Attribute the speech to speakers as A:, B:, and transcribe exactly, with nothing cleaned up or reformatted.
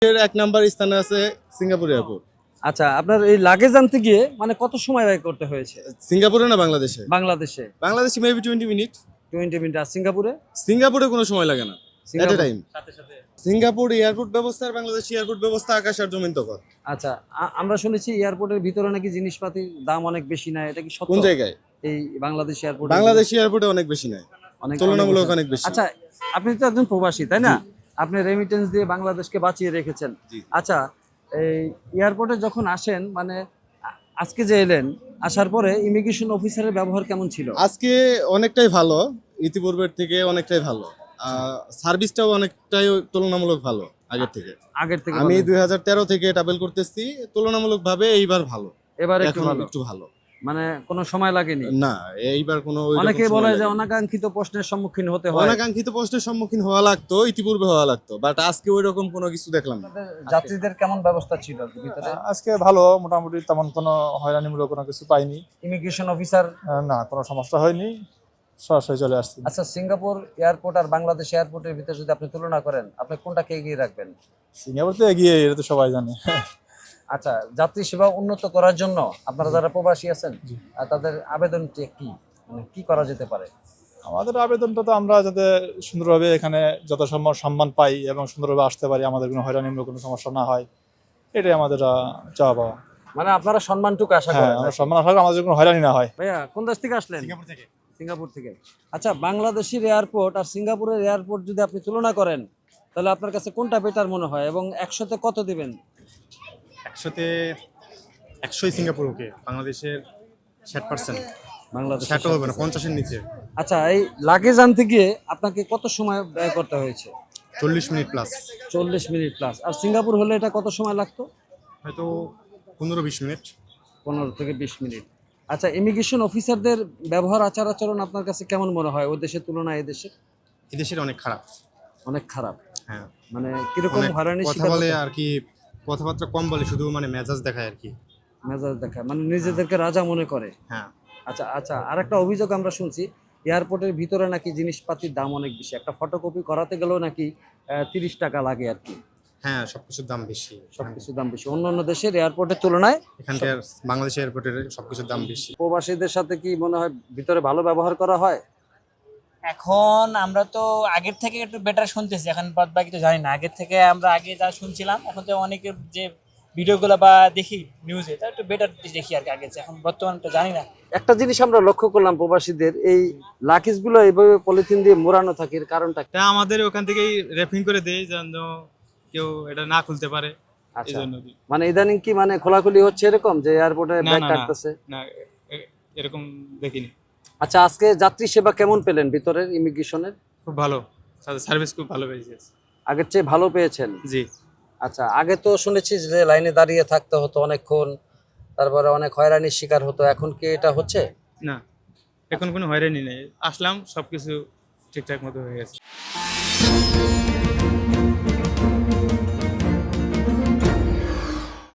A: এর এক নাম্বার স্থানে আছে সিঙ্গাপুর এয়ারপোর্ট।
B: আচ্ছা, আপনার এই লাগেজ আনতে গিয়ে মানে কত সময় ব্যয় করতে হয়েছে?
A: সিঙ্গাপুরে না বাংলাদেশে?
B: বাংলাদেশে
A: বাংলাদেশে maybe twenty minute.
B: Twenty minute. আর সিঙ্গাপুরে?
A: সিঙ্গাপুরে কোনো সময় লাগে না, এট এ টাইম।
B: সাথে সাথে।
A: সিঙ্গাপুর এয়ারপোর্ট ব্যবস্থা আর বাংলাদেশ এয়ারপোর্ট ব্যবস্থা আকাশ আর জমিন তফাৎ।
B: আচ্ছা, আ- আমরা শুনেছি এয়ারপোর্টের ভিতরে নাকি জিনিসপাতির দাম অনেক বেশি না, এটা কি সত্য?
A: কোন জায়গায়?
B: এই বাংলাদেশ এয়ারপোর্ট।
A: বাংলাদেশ এয়ারপোর্টে অনেক বেশি নেয়,
B: অনেক
A: তুলনামূলক অনেক বেশি।
B: আচ্ছা, আপনি তো একজন প্রবাসী তাই না? আপনি রেমিটেন্স দিয়ে বাংলাদেশকে বাঁচিয়ে রেখেছেন। আচ্ছা, এই এয়ারপোর্টে যখন আসেন মানে আ- আজকে যে এলেন, আসার পরে ইমিগ্রেশন অফিসারের ব্যবহার কেমন ছিল?
A: আজকে অনেকটাই ভালো, ইতিপূর্বের থেকে অনেকটাই ভালো। সার্ভিসটাও অনেকটাই তুলনামূলক ভালো আগের থেকে।
B: আগের থেকে
A: আমি
B: ভালো?
A: দুই হাজার তেরো থেকে ট্রাভেল করতেছি, তুলনামূলক ভাবে এইবার ভালো।
B: এবার একটু
A: এখন
B: ভালো,
A: একটু ভালো,
B: মানে কোনো সময় লাগেনি?
A: না এইবার কোনো ওই রকম
B: অনেকেই
A: সময়
B: বলে যে
A: লাগেনি।
B: অনাকাঙ্ক্ষিত প্রশ্নের সম্মুখীন হতে হয়।
A: অনাকাঙ্ক্ষিত প্রশ্নের সম্মুখীন হওয়া লাগতো, ইতিপূর্বে হওয়া লাগতো, বাট আজকে ওই রকম কোনো কিছু দেখলাম না।
B: যাত্রীদের কেমন ব্যবস্থা ছিল ভিতরে?
C: আজকে ভালো, মোটামুটি তেমন কোনো হয়রানিমূলক কোনো কিছু পাইনি।
B: Immigration officer?
C: আহ, না, কোনো সমস্যা হয়নি, সরাসরি চলে আসছি।
B: আচ্ছা, সিঙ্গাপুর এয়ারপোর্ট আর বাংলাদেশ এয়ারপোর্টের ভিতরে যদি আপনি তুলনা করেন, আপনি কোনটাকে এগিয়ে রাখবেন?
C: সিঙ্গাপুর তো এগিয়ে, এটা তো সবাই জানে।
B: আচ্ছা, যাত্রী সেবা উন্নত করার জন্য আপনারা যারা প্রবাসী আছেন আর তাদের আবেদনটি কি, মানে কি করা যেতে পারে?
C: আমাদের আবেদনটা তো আমরা যাতে সুন্দরভাবে এখানে যত সম্মান সম্মান পাই এবং সুন্দরভাবে আসতে পারি, আমাদের কোনো হয়রানিমূলক কোনো সমস্যা না হয়, এটাই আমাদের আহ, চাওয়া পাওয়া।
B: মানে আপনারা সম্মানটুকু আশা
C: হ্যাঁ,
B: করেন?
C: আমরা সম্মান আসলে আমাদের কোনো হয়রানি না হয়।
B: ভাইয়া কোন দেশ থেকে আসলেন?
A: সিঙ্গাপুর থেকে।
B: সিঙ্গাপুর থেকে। আচ্ছা, বাংলাদেশের এয়ারপোর্ট আর সিঙ্গাপুরের এয়ারপোর্ট যদি আপনি তুলনা করেন, তাহলে আপনার কাছে কোনটা বেটার মনে হয় এবং একশোতে কত দিবেন?
D: একশোতে একশোই সিঙ্গাপুর ওকে, বাংলাদেশের ষাট পার্সেন্ট
B: বাংলাদেশ
D: ষাটও হবে না, পঞ্চাশের নিচে।
B: আচ্ছা, এই লাগেজ আনতে গিয়ে আপনাকে কত সময় ব্যয় করতে হয়েছে?
D: চল্লিশ মিনিট প্লাস,
B: চল্লিশ মিনিট প্লাস। আর সিঙ্গাপুর হলে এটা কত সময় লাগতো?
D: হয়তো পনেরো বিশ মিনিট।
B: পনেরো থেকে বিশ মিনিট। আচ্ছা, ইমিগ্রেশন অফিসারদের ব্যবহার আচার আচরণ আপনার কাছে কেমন মনে হয় ওই দেশের তুলনায় এই দেশে?
D: এদেশের অনেক খারাপ।
B: অনেক খারাপ?
D: হ্যাঁ,
B: মানে কিরকম
D: অনেক
B: হয়রানির
D: কথা
B: শিকার
D: বলে
B: হতে হয়?
D: আর কি, কথাবার্তা কম বলে, শুধু মানে মেজাজ দেখায় আর কি।
B: মেজাজ দেখায়, মানে নিজেদেরকে রাজা মনে করে।
D: হ্যাঁ,
B: আচ্ছা আচ্ছা, আর একটা অভিযোগ আমরা শুনছি, এয়ারপোর্টের ভিতরে নাকি জিনিসপাতির দাম অনেক বেশি, একটা ফটোকপি করাতে গেলেও নাকি তিরিশ টাকা লাগে আর কি।
D: হ্যাঁ, সবকিছুর দাম বেশি।
B: সবকিছুর দাম বেশি অন্য অন্য দেশের এয়ারপোর্টের তুলনায়।
D: এখানকার বাংলাদেশ এয়ারপোর্টের সবকিছুর দাম বেশি।
B: প্রবাসীদের সাথে কি মনে হয় ভিতরে ভালো ব্যবহার করা হয়?
E: এখন আমরা তো আগের থেকে একটু বেটার শুনতেছি, এখন বাদ বাকি তো জানি না। আগের থেকে আমরা আগে যা শুনছিলাম, এখন তো অনেকের যে ভিডিওগুলো বা দেখি নিউজে, তা একটু বেটার দেখি আর কি আগের চেয়ে। এখন বর্তমানে তো জানি না।
B: একটা জিনিস আমরা লক্ষ্য করলাম, প্রবাসীদের এই লাকিজগুলো এইভাবে পলিথিন দিয়ে মোড়ানো থাকে, এর কারণটা কি?
F: তা আমাদের ওখান থেকেই র্যাপিং করে দেয় যেন কেউ এটা না খুলতে পারে, এই
B: আচ্ছা,
F: জন্য।
B: মানে ইদানিং কি মানে খোলাখুলি হচ্ছে এরকম যে এয়ারপোর্টে
F: না,
B: ব্যাগ
F: না, না।
B: কাটতেছে?
F: না, এ- এরকম দেখিনি।
B: আচ্ছা, আজকে যাত্রী সেবা কেমন পেলেন ভিতরের ইমিগ্রেশনের?
F: খুব ভালো, তাদের সার্ভিস খুব ভালো পেয়েছে।
B: আগের চেয়ে ভালো পেয়েছেন?
F: জি।
B: আচ্ছা, আগে তো শুনেছি যে লাইনে দাঁড়িয়ে থাকতে হতো অনেকক্ষণ, তারপরে অনেক হয়রানির শিকার হতো, এখন কি এটা হচ্ছে?
F: না, এখন কোনো হয়রানি নেই, আসলাম সবকিছু ঠিকঠাক মতো হয়ে গেছে।